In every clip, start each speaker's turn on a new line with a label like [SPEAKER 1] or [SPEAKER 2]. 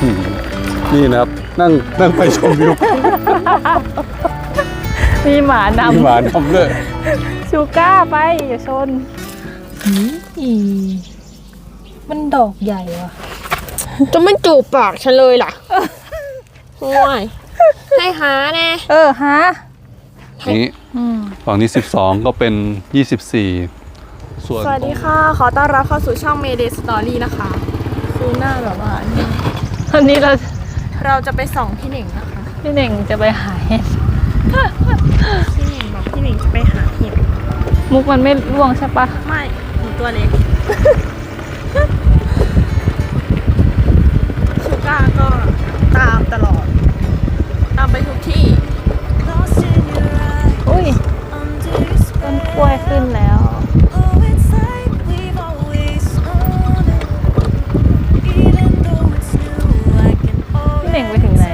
[SPEAKER 1] นี่นะครับนั่งไปชมวิว
[SPEAKER 2] มีหมานำ
[SPEAKER 1] มีหมานำด้วย
[SPEAKER 2] ชูก้าไปอย่าชนมันดอกใหญ่ว่ะ
[SPEAKER 3] จะไม่จูบปากฉันเลยล่ะโอ้ยให้หาแน่
[SPEAKER 2] ฮะ
[SPEAKER 1] นี่ฝั่งนี้12ก็เป็น24ส่วน
[SPEAKER 3] สวัสดีค่ะขอต้อนรับเข้าสู่ช่อง Mayday Story นะคะคือหน้าแบบว่า
[SPEAKER 2] วันนี้
[SPEAKER 3] เราจะไปส่องพี่เหน่งนะคะ
[SPEAKER 2] พี่เน่งจะไปหาเห็ด
[SPEAKER 3] พี่เหน่งบอกพี่เหน่งจะไปหาเห็ด
[SPEAKER 2] มุกมันไม่ร่วงใช่ปะ
[SPEAKER 3] ไม่หนูตัวเล็กชูก้าก็ตามตลอดตามไปทุกที่
[SPEAKER 2] อุ้ยต้นกล้วยขึ้นแล้วพี่เน่งไปถึงไหน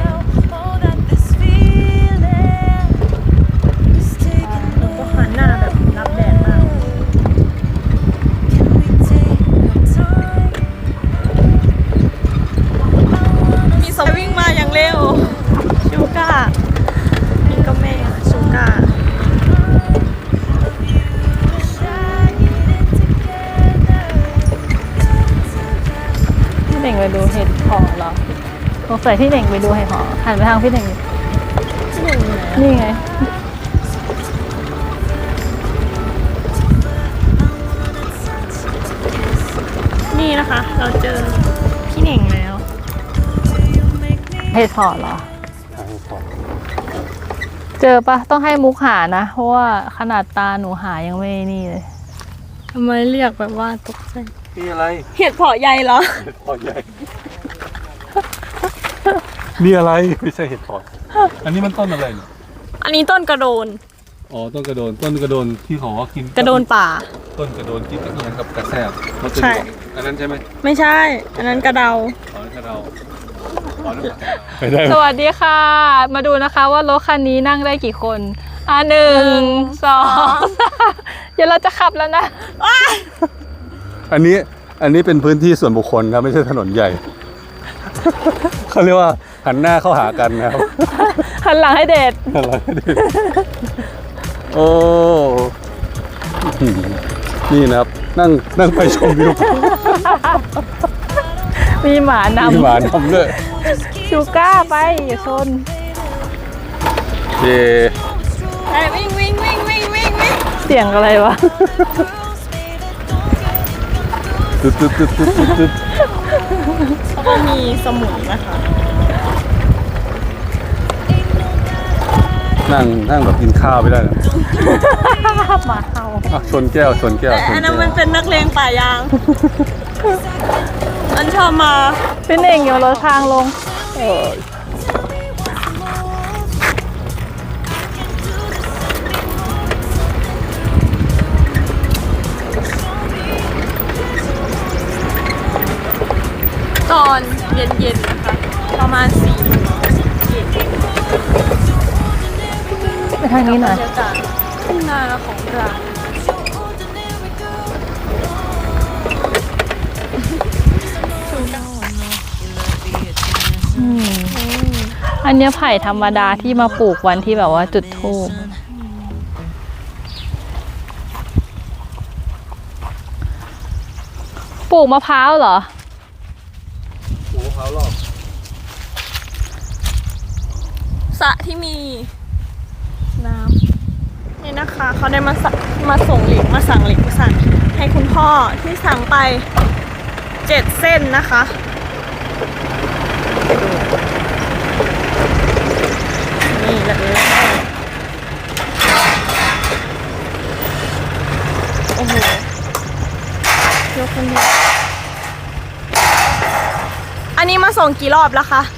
[SPEAKER 3] ก็หันหน้าแบบรับแดดมากมีสวิ่งมาอย่างเร็วชูก้านี่ก็แม่ชูก้า
[SPEAKER 2] พี่เน่งไปดูเห็ดหอเหรอสงสัยพี่เน่งไปดูเห็ดหอหันไปทางพี่เน่งนี่ไง
[SPEAKER 3] นี่นะคะ เราเจอพี่เหน่งแล้ว
[SPEAKER 2] เห็ดหอเหรอเจอปะต้องให้มุกหานะเพราะว่าขนาดตาหนูหายังไม่นี่เลย
[SPEAKER 3] ทำไมเรียกแบบว่าตกใจ
[SPEAKER 1] นี่อะไร
[SPEAKER 3] เห็ดเผาะใหญ่เหรอ
[SPEAKER 1] เห็ดพอใหญ่นี่อะไรไม่ใช่เห็ดพออันนี้มันต้นอะไรเนี่ย
[SPEAKER 3] อันนี้ต้นกระโดน
[SPEAKER 1] อ๋อต้นกระโดนที่เขาว่ากิน
[SPEAKER 3] กระโดนป่า
[SPEAKER 1] ต้นกระโดนกินกับอะไรกับกระแซบมันจะ
[SPEAKER 3] ใช่
[SPEAKER 1] อันนั้นใช่ไหม
[SPEAKER 3] ไม่ใช่ อันนั้นกระเดา
[SPEAKER 1] อ๋อกระเดาไม่ได้
[SPEAKER 2] สวัสดีค่ะ มาดูนะคะว่ารถคันนี้นั่งได้กี่คน1 2 3เดี๋ยวเราจะขับแล้วนะ
[SPEAKER 1] อันนี้เป็นพื้นที่ส่วนบุคคลครับไม่ใช่ถนนใหญ่ เขาเรียกว่าหันหน้าเข้าหากันนะครับ
[SPEAKER 2] หันหลังให้เดท
[SPEAKER 1] อะไรดิโอ้นี่นะครับนั่งไปชมวิว
[SPEAKER 2] มีหมาน
[SPEAKER 1] มีหมานำด้วย
[SPEAKER 2] ำชูก้าไปอย่าชน
[SPEAKER 1] เย่
[SPEAKER 3] ไปวิ่งวิ่งวิ่งวิ่งวิ่งวิ่ง
[SPEAKER 2] เสียงอะไรวะ
[SPEAKER 1] ตึ๊ด
[SPEAKER 3] แล้วก็มีสมุนนะคะ
[SPEAKER 1] นั่งแบบกินข้าวไม่ได้นะ
[SPEAKER 2] หมาเห่า
[SPEAKER 1] อ่ะชนแก้ว
[SPEAKER 3] แต่อันนั้นมันเป็นนักเลงป่ายาง มันชอบมา
[SPEAKER 2] พี่เน่งโยนรถทางลง
[SPEAKER 3] ตอนเย็นๆนะคะ ประมาณ4 เย็น
[SPEAKER 2] ไปทางนี้หน่อย
[SPEAKER 3] บรรยากาศทุ่งนาของเรา
[SPEAKER 2] อันเนี้ยไผ่ธรรมดาที่มาปลูกวันที่แบบว่าจุดธูปปลูกมะพร้าวเหรอ
[SPEAKER 1] โอ้เขาหรอก
[SPEAKER 3] สระที่มีน้ำนี่นะคะเขาได้มาส่งเหล็กมาสั่งเหล็กมาสั่งให้คุณพ่อที่สั่งไป7 เส้นนะคะนี่เลยโอ้โหยกคนเดียวอันนี้มาส่งกี่รอบแล้วคะ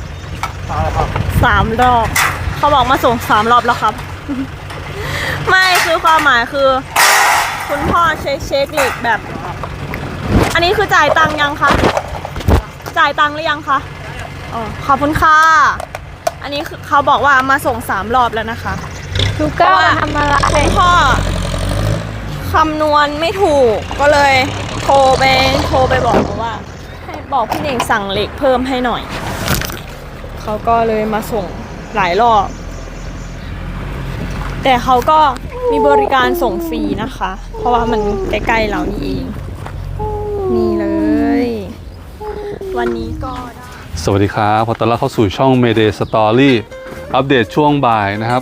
[SPEAKER 3] 3 รอบ เขาบอกมาส่ง3 รอบแล้วครับ ไม่คือความหมายคือ คุณพ่อเช็คเหล็กแบบ อันนี้คือจ่ายตังค์ยังคะจ่ายตังค์หรือยังคะอ๋อขอบคุณค่ะอันนี้คือเขาบอกว่ามาส่ง3 รอบแล้วนะคะ
[SPEAKER 2] ชูก้าทำอะไร
[SPEAKER 3] คุณพ่อคำนวณไม่ถูกก็เลยโทรไปบอกว่าให้บอกพี่เน่งสั่งเหล็กเพิ่มให้หน่อยเขาก็เลยมาส่งหลายรอบ แต่เขาก็มีบริการส่งฟรีนะคะ เพราะว่ามันใกล้ๆเรานี่เอง นี่เลย วันนี้ก็ได้
[SPEAKER 1] สวัสดีครับขอต้อนรับเข้าสู่ช่อง Mayday Story อัปเดตช่วงบ่ายนะครับ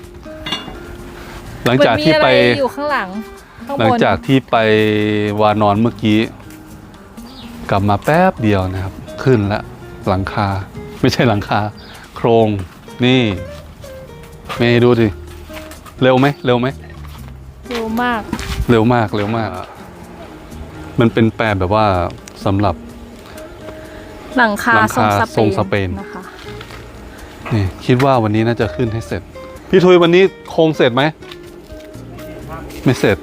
[SPEAKER 1] หลังจากที่ไป
[SPEAKER 2] มันมีอะไรอยู่ข้างหลังข้างบน
[SPEAKER 1] หลังจากที่ไปวานอนเมื่อกี้ กลับมาแป๊บเดียวนะครับ ขึ้นแล้วหลังคา ไม่ใช่หลังคา โครงนี่เมย์ดูดิเร็วไหมเร็วไหม
[SPEAKER 2] เร็วมาก
[SPEAKER 1] เร็วมากเร็วมาก มันเป็นแปลแบบว่าสำหรับ
[SPEAKER 2] หลังคา
[SPEAKER 1] หลังคาทรงสเปน
[SPEAKER 2] นะคะ
[SPEAKER 1] นี่คิดว่าวันนี้น่าจะขึ้นให้เสร็จ พี่ทุยวันนี้โครงเสร็จไหมไม่เสร็จ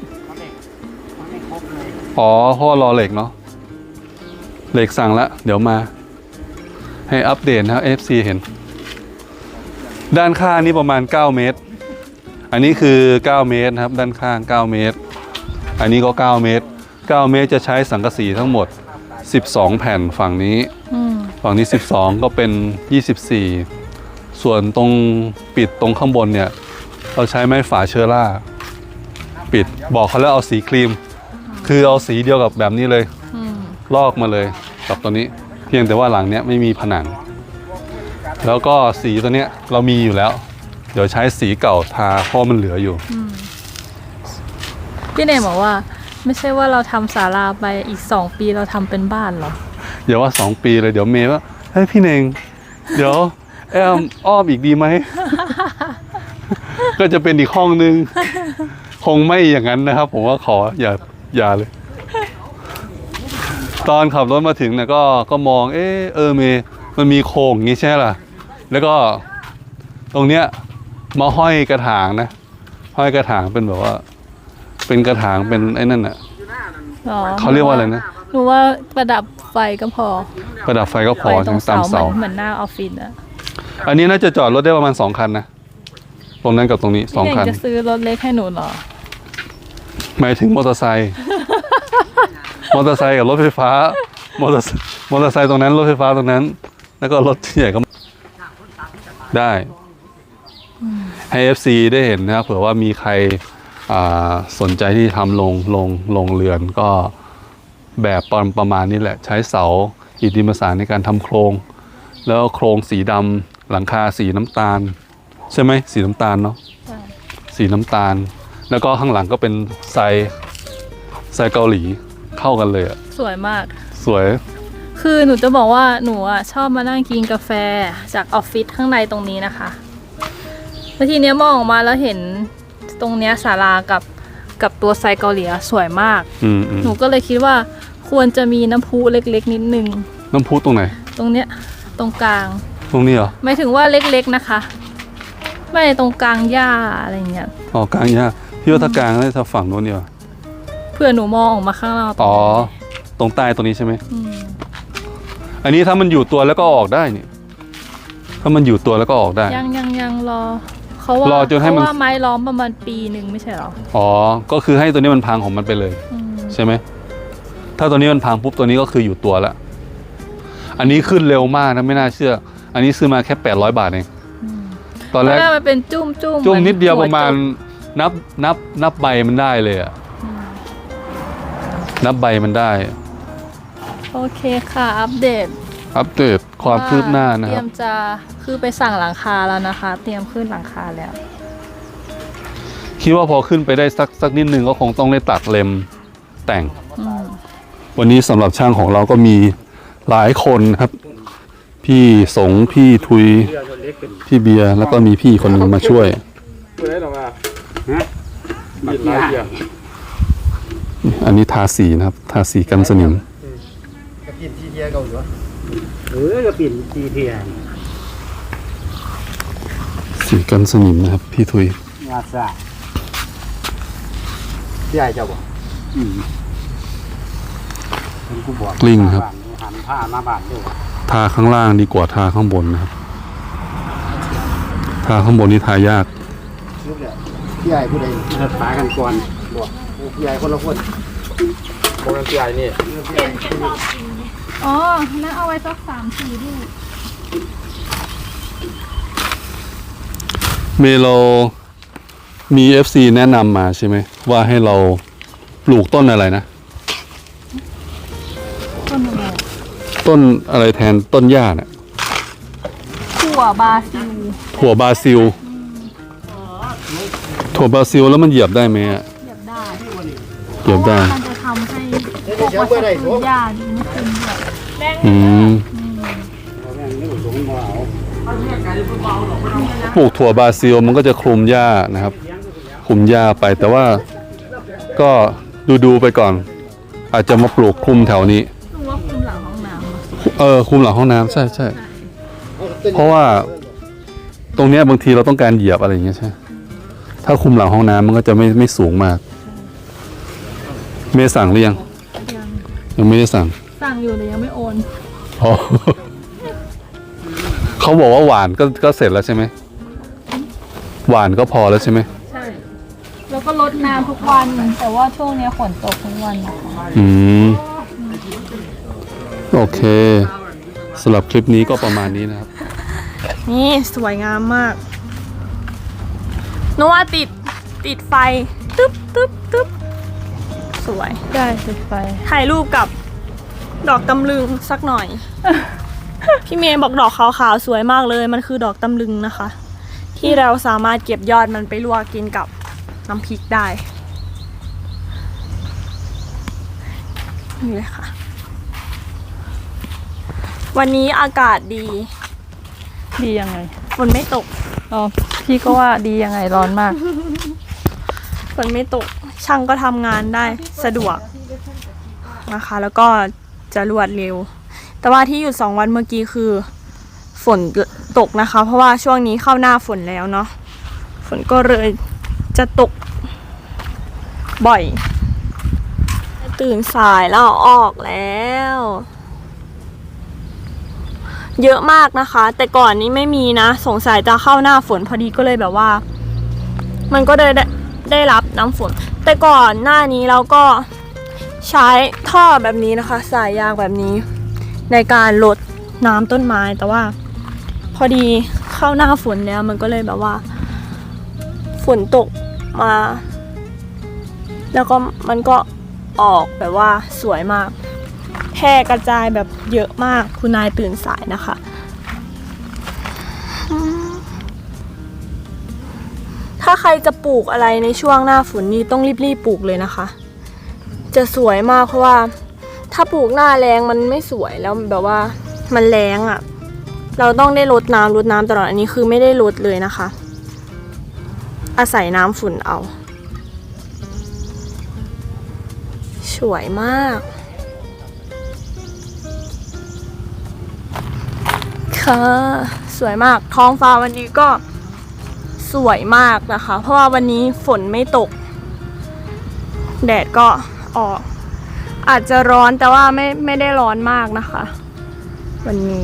[SPEAKER 1] อ๋อเพราะว่ารอเหล็กเนาะเหล็กสั่งแล้วเดี๋ยวมาให้อัปเดตนะครับ FC เห็น ด้านข้างนี่ประมาณ9เมตรอันนี้คือ9เมตรนะครับด้านข้าง9เมตรอันนี้ก็9เมตร9เมตรจะใช้สังกะสีทั้งหมด12แผ่นฝั่งนี้ฝั่งนี้12ก็เป็น24ส่วนตรงปิดตรงข้างบนเนี่ยเราใช้ไม้ฝาเชอร่าปิดบอกเขาแล้วเอาสีครีมคือเอาสีเดียวกับแบบนี้เลยลอกมาเลยกับตัวนี้เพียงแต่ว่าหลังเนี้ยไม่มีผนังแล้วก็สีตัวเนี้ยเรามีอยู่แล้วเดี๋ยวใช้สีเก่าทาเพราะมันเหลืออยู่
[SPEAKER 2] พี่เนมบอกว่าไม่ใช่ว่าเราทำศาลาไปอีก2 ปีเราทำเป็นบ้านเหรอ
[SPEAKER 1] อย่าว่า2 ปีเลยเดี๋ยวเมย์ว่าเฮ้ยพี่เน่งเดี๋ยวแอมอ้อมอีกดีไหม ก็จะเป็นอีกห้องนึง คงไม่อย่างนั้นนะครับ ผมว่าขออย่าเลย ตอนขับรถมาถึงเนี่ยก็มองเมย์มันมีโครงอย่างนี้ใช่ไหมล่ะแล้วก็ตรงเนี้ยมาห้อยกระถางนะห้อยกระถางเป็นแบบว่า เป็นกระถางเป็นไอ้นั่นน่ะ
[SPEAKER 2] อ๋อ
[SPEAKER 1] เขาเรียกว่าอะไรนะ
[SPEAKER 2] หนูว่าประดับไฟก็พอ
[SPEAKER 1] ประดับไฟก็พอ
[SPEAKER 2] ไฟตรง
[SPEAKER 1] ตาม
[SPEAKER 2] เสา
[SPEAKER 1] เสา
[SPEAKER 2] เหมือนหน้าออฟฟิศอะ
[SPEAKER 1] อันนี้น่าจะจอดรถได้ประมาณ2 คันนะตรงนั้นกับตรงนี้
[SPEAKER 2] พี่เน
[SPEAKER 1] 2 คั
[SPEAKER 2] ม
[SPEAKER 1] น
[SPEAKER 2] จะซื้อรถเล็กให้หนูเหรอ
[SPEAKER 1] หมายถึงมอเตอร์ไซค์ มอเตอร์ไซค์กับรถไฟฟ้ามอเตอร์ไซค์ตรงนั้นรถไฟฟ้าตรงนั้น แล้วก็รถที่ใหญ่ก็ได้ให้ FC ได้เห็นนะครับเผื่อว่ามีใครสนใจที่ทำลงเรือนก็แบบประมาณนี้แหละ ใช้เสาอิฐดินประสานในการทำโครง แล้วโครงสีดำหลังคาสีน้ำตาล ใช่ไหมสีน้ำตาลเนาะสีน้ำตาล แล้วก็ข้างหลังก็เป็นทรายเกาหลีเข้ากันเลยอะ
[SPEAKER 2] สวยมาก
[SPEAKER 1] สวย
[SPEAKER 2] คือหนูจะบอกว่าหนูอะชอบมานั่งกินกาแฟจากออฟฟิศข้างในตรงนี้นะคะแล้วทีเนี้ยมองออกมาแล้วเห็นตรงเนี้ยศาลากับตัวไซเกาหลีอะสวยมาก หนูก็เลยคิดว่าควรจะมีน้ำพุเล็กๆนิดนึง
[SPEAKER 1] น้ำพุตรงไหน
[SPEAKER 2] ตรงเนี้ยตรงกลาง
[SPEAKER 1] ตรงนี้เหรอ
[SPEAKER 2] หมายถึงว่าเล็กๆนะคะ ไม่ตรงกลางหญ้าอะไรเงี้ย
[SPEAKER 1] อ๋อกลางยากพี่ว่าถ้ากลางได้ถ้าฝั่งโน้นเนี่ย
[SPEAKER 2] เพื่อหนูมองออกมาข้างนอก
[SPEAKER 1] อ๋อตรงใต้ตรงนี้ใช่ไหม
[SPEAKER 2] ม
[SPEAKER 1] อันนี้ถ้ามันอยู่ตัวแล้วก็ออกได้นี่ถ้ามันอยู่ตัวแล้วก็ออกได้
[SPEAKER 2] ยังรอเขาว่าร
[SPEAKER 1] อจนให้มัน
[SPEAKER 2] เขาว่าไม้ล้อมประมาณปีหนึ่งไม่ใช่เหรอ
[SPEAKER 1] อ๋อก็คือให้ตัวนี้มันพังของมันไปเลย ใช่ไหมถ้าตัวนี้มันพังปุ๊บตัวนี้ก็คืออยู่ตัวแล้วอันนี้ขึ้นเร็วมากนะไม่น่าเชื่อ อันนี้ซื้อมาแค่800 บาทเองตอนแรก
[SPEAKER 2] มันเป็นจุ้ม
[SPEAKER 1] จุ่มนิดเดียว
[SPEAKER 2] ห
[SPEAKER 1] ประมาณ
[SPEAKER 2] จุ่
[SPEAKER 1] นับใบมันได้เลยอะนับใบมันได้
[SPEAKER 2] โอเคค่ะ อัปเดต
[SPEAKER 1] อัปเดตความคืบหน้านะ
[SPEAKER 2] เต
[SPEAKER 1] ค
[SPEAKER 2] รี
[SPEAKER 1] รั
[SPEAKER 2] ย
[SPEAKER 1] บ
[SPEAKER 2] มจะคือไปสั่งหลังคาแล้วนะคะ เตรียมขึ้นหลังคาแล้ว
[SPEAKER 1] คิดว่าพอขึ้นไปได้สักนิดนึงก็คงต้องได้ตัดเล็มแต่ง วันนี้สำหรับช่างของเราก็มีหลายคนครับ พี่สงพี่ทุยพี่เบียร์แล้วก็มีพี่คนหนึงมาช่วย อันนี้ทาสีนะครับ ทาสีกันสนิม
[SPEAKER 4] กระปิ่นทีเทียเก่าอยู่กระปิ่นทีเทีย
[SPEAKER 1] สีกันสนิมนะครับ พี่ทุย
[SPEAKER 4] งาซาพี่ใหญ่เจ้าบ่เป็นกูบอก
[SPEAKER 1] กลิ้งครับ
[SPEAKER 4] หันผ้ามาบานด้วย
[SPEAKER 1] ทาข้างล่างดีกว่าทาข้างบนนะครับ ทาข้างบนนี่ทายาก
[SPEAKER 4] ลูกเนี่ยพี่ใหญ่ผู้ใดเลิกปากันก่อนบอกพี่ใหญ่คนละคนคนละพี่ใหญ่นี่
[SPEAKER 2] อ๋อนั่นเอาไว้สัก3-4ลูก
[SPEAKER 1] เมโลมี FC แนะนำมาใช่ไหมว่าให้เราปลูกต้นอะไรนะ
[SPEAKER 2] ต้นอะไร
[SPEAKER 1] ต้นอะไรแทนต้นหญ้าเนี่ย
[SPEAKER 2] ถั่วบาซิล
[SPEAKER 1] ถั่วบราซิล ถั่วบราซิลแล้วมันเหยียบได้ไหมอะ
[SPEAKER 2] เหยียบได้
[SPEAKER 1] เหยียบได้
[SPEAKER 2] มันจะทำให้พวกวัชพืชหญ้าดีไม่ขึ้นด้วย
[SPEAKER 1] อืมปลูกถั่วบราซิลมันก็จะคลุมหญ้านะครับ คลุมหญ้าไปแต่ว่าก็ดูไปก่อน อาจจะมาปลูกคลุมแถวนี้
[SPEAKER 2] รู้ว่าคุมหลังห้องน้ำอะ
[SPEAKER 1] คลุมหลังห้องน้ำใช่ใช่เพราะว่าตรงเนี้ยบางทีเราต้องการเหยียบอะไรอย่างเงี้ยใช่ ถ้าคลุมหลังห้องน้ำมันก็จะไม่สูงมาก เมย์สั่งหรือยังยังไม่ได้สั่ง
[SPEAKER 2] สั่งอยู่แต่ยังไม่โอน
[SPEAKER 1] อ๋อ เขาบอกว่าหวานก็เสร็จแล้วใช่ไหมหวานก็พอแล้วใช่ไหม
[SPEAKER 2] ใช่ แล้วก็รดน้ำทุกวัน แต่ว่าช่วงนี้ฝนตกทุกวันนะคะ
[SPEAKER 1] อืมโอเคสำหรับคลิปนี้ก็ประมาณนี้นะครับ
[SPEAKER 3] นี่สวยงามมากนึกว่าติดไฟตึ๊บตึ๊บตึ๊บสวย
[SPEAKER 2] ได้ติดไฟ
[SPEAKER 3] ถ่ายรูปกับดอกตำลึงสักหน่อย พี่เมย์บอกดอกขาวๆสวยมากเลย มันคือดอกตำลึงนะคะ ที่เราสามารถเก็บยอดมันไปลวกกินกับน้ำพริกได้นี่เลยค่ะ วันนี้อากาศดี
[SPEAKER 2] ดียังไง
[SPEAKER 3] ฝนไม่ตก
[SPEAKER 2] อ๋อ พี่ก็ว่าดียังไงร้อนมาก
[SPEAKER 3] ฝนไม่ตก ช่างก็ทำงานได้สะดวกนะคะ แล้วก็จะรวดเร็ว แต่ว่าที่หยุด2 วันเมื่อกี้คือฝนตกนะคะ เพราะว่าช่วงนี้เข้าหน้าฝนแล้วเนาะ ฝนก็เลยจะตกบ่อย ตื่นสายแล้วออกแล้ว เยอะมากนะคะ แต่ก่อนนี้ไม่มีนะ สงสัยจะเข้าหน้าฝนพอดีก็เลยแบบว่า มันก็ได้รับน้ำฝน แต่ก่อนหน้านี้เราก็ใช้ท่อแบบนี้นะคะ สายยางแบบนี้ ในการลดน้ำต้นไม้ แต่ว่าพอดีเข้าหน้าฝนแล้วมันก็เลยแบบว่า ฝนตกมา แล้วก็มันก็ออกแบบว่าสวยมากแพร่กระจายแบบเยอะมากคุณนายตื่นสายนะคะ ถ้าใครจะปลูกอะไรในช่วงหน้าฝนนี่ต้องรีบปลูกเลยนะคะ จะสวยมากเพราะว่าถ้าปลูกหน้าแรงมันไม่สวยแล้วแบบว่ามันแรงอะ่ะ เราต้องได้รดน้ำตลอดอันนี้คือไม่ได้รดเลยนะคะ อาศัยน้ำฝนเอาสวยมากค่ะสวยมากท้องฟ้าวันนี้ก็สวยมากนะคะ เพราะว่าวันนี้ฝนไม่ตกแดดก็ออกอาจจะร้อนแต่ว่าไม่ได้ร้อนมากนะคะ วันนี้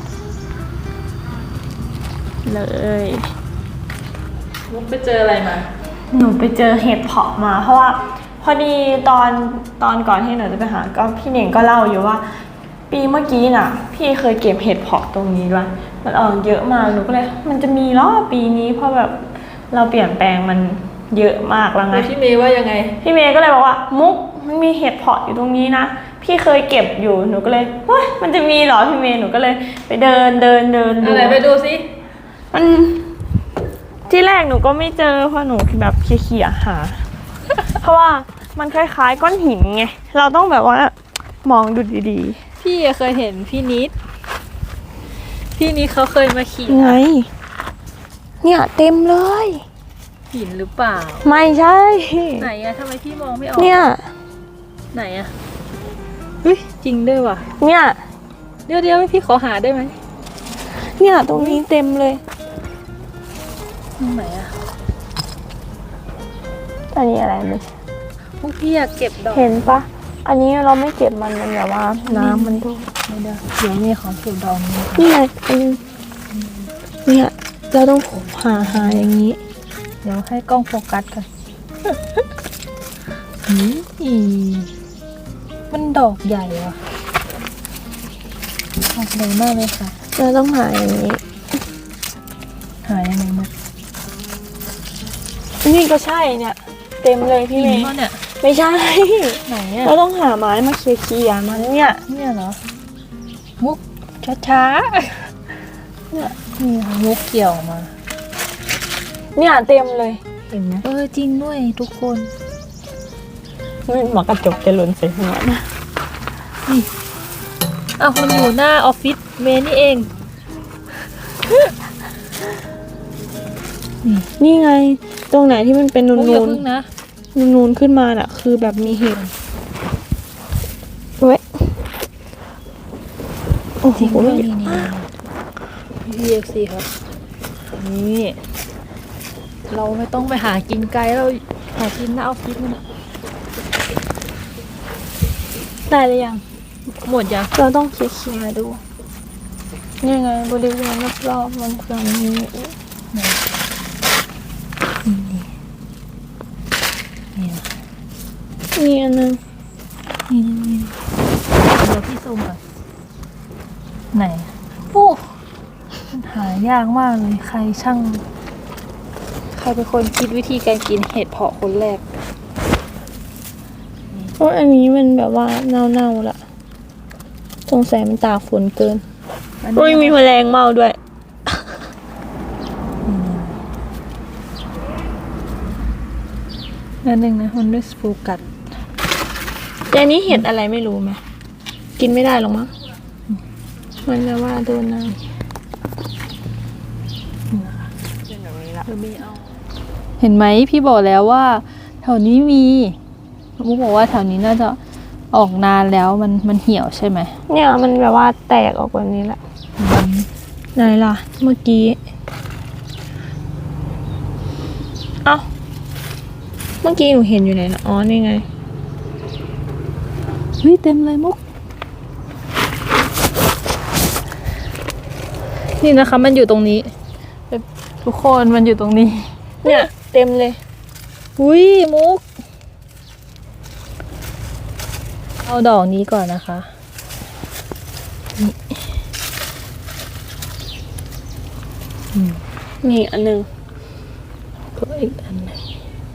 [SPEAKER 3] เลย
[SPEAKER 2] มุกไปเจออะไรมา
[SPEAKER 3] หนูไปเจอเห็ดเผาะมาเพราะว่าพอดีตอนก่อนที่หนูจะไปหาก็พี่เน่งก็เล่าอยู่ว่า ปีเมื่อกี้น่ะพี่เคยเก็บเห็ดเผาะตรงนี้ด้วยมันออกเยอะมากหนูก็เลยมันจะมีล้อปีนี้เพราะแบบเราเปลี่ยนแปลงมันเยอะมากแล้วไง
[SPEAKER 2] พี่เมย์ว่ายังไง
[SPEAKER 3] พี่เมย์ก็เลยบอกว่ามุกมันมีเห็ดเผาะอยู่ตรงนี้นะพี่เคยเก็บอยู่หนูก็เลยเฮ้ยมันจะมีเหรอพี่เมย์หนูก็เลยไปเดินดู
[SPEAKER 2] อะไรไปดูสิ
[SPEAKER 3] มันที่แรกหนูก็ไม่เจอเพราะหนูแบบเขี่ยหา เพราะว่ามันคล้ายๆก้อนหินไงเราต้องแบบว่ามองดูดี
[SPEAKER 2] พี่เคยเห็นพี่นิดเขาเคยมาขี่
[SPEAKER 3] ๆไงเนี่ยเต็มเลย
[SPEAKER 2] หินหรือเปล่า
[SPEAKER 3] ไม่ใช่
[SPEAKER 2] ไหนอะทำไมพี่มองไม่ออก
[SPEAKER 3] เนี่ย
[SPEAKER 2] ไหนอะเฮ้ยจริงด้วยว่ะ
[SPEAKER 3] เนี่ย
[SPEAKER 2] เดี๋ยวพี่ขอหาได้ไหม
[SPEAKER 3] เนี่ยตรงนี้เต็มเลย
[SPEAKER 2] ตรงไหนอะ
[SPEAKER 3] อันนี้อะไรเลย
[SPEAKER 2] พวกพี่อยากเก็บดอก
[SPEAKER 3] เห็นปะอันนี้เราไม่เก็บมันแบบว่าน้ำมันดู
[SPEAKER 2] ไม่ได้เดี๋ยวมีของเก็บดอกนี้
[SPEAKER 3] นี่ไงเนี่ยเราต้องหาอย่างนี้
[SPEAKER 2] เดี๋ยวให้กล้องโฟกัสกันมันดอกใหญ่ว่ะดอกใหญ่มากเลยค่ะ
[SPEAKER 3] เราต้องหาอย่างนี้
[SPEAKER 2] หายังไงมุก
[SPEAKER 3] นี่ก็ใช่เนี่ย เต็มเลยพี่เม
[SPEAKER 2] หิน
[SPEAKER 3] ย์
[SPEAKER 2] ปะเนี่ย
[SPEAKER 3] ไม่ใช่
[SPEAKER 2] ไหนอะ
[SPEAKER 3] เราต้องหาไม้มาเคลียร์มันเนี่ย
[SPEAKER 2] เนี่ยเหรอ มุกช้าๆเนี่ยนี่ค่ะมุกเกี่ยวออกมา
[SPEAKER 3] เนี่ยเต็มเลยเห็นไหม
[SPEAKER 2] จริงด้วยทุกคน
[SPEAKER 3] มันหมอกระจกจะหล่นใส่หัวนะ
[SPEAKER 2] มันอยู่หน้าออฟฟิศเมย์นี่เอง
[SPEAKER 3] นี่ไง ตรงไหนที่มันเป็นนู
[SPEAKER 2] มุกอย่าน พึ่งนะ
[SPEAKER 3] ๆนูนๆขึ้นมาน่ะ คือแบบมีเห็ดเว้ยโอ้โห
[SPEAKER 2] จริงด้วยนี่VFC ครับ นี่ เราไม่ต้องไปหากินไกลเราหากินหน้าออฟฟิศมัน
[SPEAKER 3] ได้หรือยัง
[SPEAKER 2] หมดยัง
[SPEAKER 3] เราต้องเคลียร์ดูนี่ไงบริเวณรอบๆมันจะมี
[SPEAKER 2] นี่
[SPEAKER 3] มีอันนึง
[SPEAKER 2] นี่เดี๋ยวพี่ซูมก่อนไหนโอ้มันหายากมากเลยใครเป็นคนคิดวิธีการกินเห็ดเผาะคนแรก
[SPEAKER 3] เพราะอันนี้มันแบบว่าเน่าๆละสงสัยมันตากฝนเกิน
[SPEAKER 2] อัน
[SPEAKER 3] โอ้ย
[SPEAKER 2] นี้
[SPEAKER 3] มีแมลงเมาด้วย
[SPEAKER 2] อันหนึ่งนะมันด้วยสปูกัด
[SPEAKER 3] แต่อันนี้เห็ดอะไรไม่รู้ไหมกินไม่ได้หรอกมั้งมันจะว่าโดนน้ำ
[SPEAKER 2] เห็นไหมพี่บอกแล้วว่าแถวนี้มีมุกบอกว่าแถวนี้น่าจะออกนานแล้วมันเหี่ยวใช่ไหม
[SPEAKER 3] เนี่ยมันแบบว่าแตกออกแบบนี้แหละไหนล่ะ เมื่อกี้เอ้าเมื่อกี้หนูเห็นอยู่ไหนนะอ๋อนี่ไง
[SPEAKER 2] เฮ้ยเต็มเลยมุก นี่นะคะมันอยู่ตรงนี้ทุกคนมันอยู่ตรงนี้
[SPEAKER 3] เนี่ยเต็มเลย
[SPEAKER 2] อุ้ยมุก เอาดอกนี้ก่อนนะคะ
[SPEAKER 3] นี่อันหนึง
[SPEAKER 2] ก็อีกอันหนึง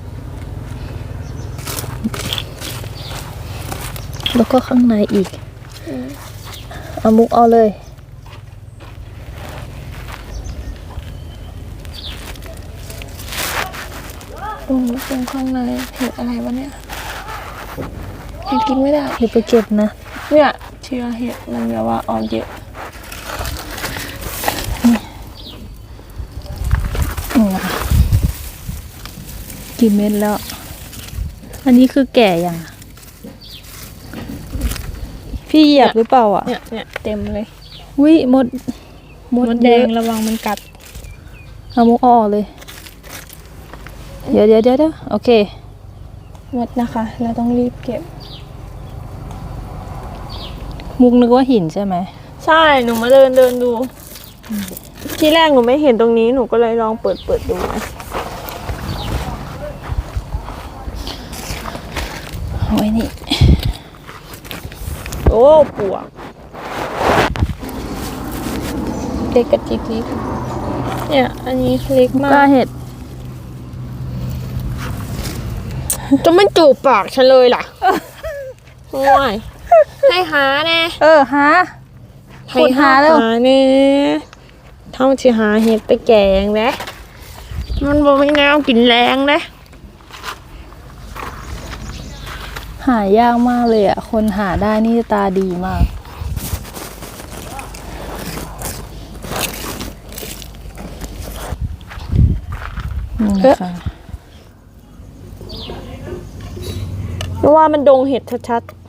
[SPEAKER 2] แล้วก็ข้างในอีกเอามุกเอาเลย
[SPEAKER 3] ตรงข้างในเห็ดอะไรวะเนี่ยเห็ดกินไม่ได้
[SPEAKER 2] เดี๋ยวไปเก็บนะ
[SPEAKER 3] เนี่ยเชื้อเห็ดมันแบบว่าออกเยอะ
[SPEAKER 2] นี่นะคะกี่เม็ดแล้ว อันนี้คือแก่ยังอะพี่เหยียบหรือเปล่าอ่ะ
[SPEAKER 3] เนี่ยเต็มเลย
[SPEAKER 2] อุ้ยมด
[SPEAKER 3] มดแด
[SPEAKER 2] เย
[SPEAKER 3] ง
[SPEAKER 2] อะ
[SPEAKER 3] ระวังมันกัด
[SPEAKER 2] เอามุกเอาออกเลย เดี๋ยวโอเค
[SPEAKER 3] มดนะคะ เราต้องรีบเก็บ
[SPEAKER 2] มุกนึกว่าหินใช่ไหม
[SPEAKER 3] ใช่หนูมาเดินดู ที่แรกหนูไม่เห็นตรงนี้หนูก็เลยลองเปิดดูนะ
[SPEAKER 2] เอาไว้นี่
[SPEAKER 3] โอ้ปวกเล็กกระจิกนิดเนี่ย อันนี้เล็ก
[SPEAKER 2] ก
[SPEAKER 3] มา
[SPEAKER 2] ล้าก เห็ด
[SPEAKER 3] จะไม่จูบปากฉันเลยล่ะโอ้ยให้หาแน่
[SPEAKER 2] หา
[SPEAKER 3] ให้
[SPEAKER 2] ขุดหาเร็ว
[SPEAKER 3] แน่เท่าที่หาเห็ดไปแกงนะมันบอกไม่แนวกินแรงนะ
[SPEAKER 2] หายากมากเลยอ่ะ คนหาได้นี่ตาดีมาก นี่นะคะ
[SPEAKER 3] เพราะว่ามันดงเห็ดชัดๆ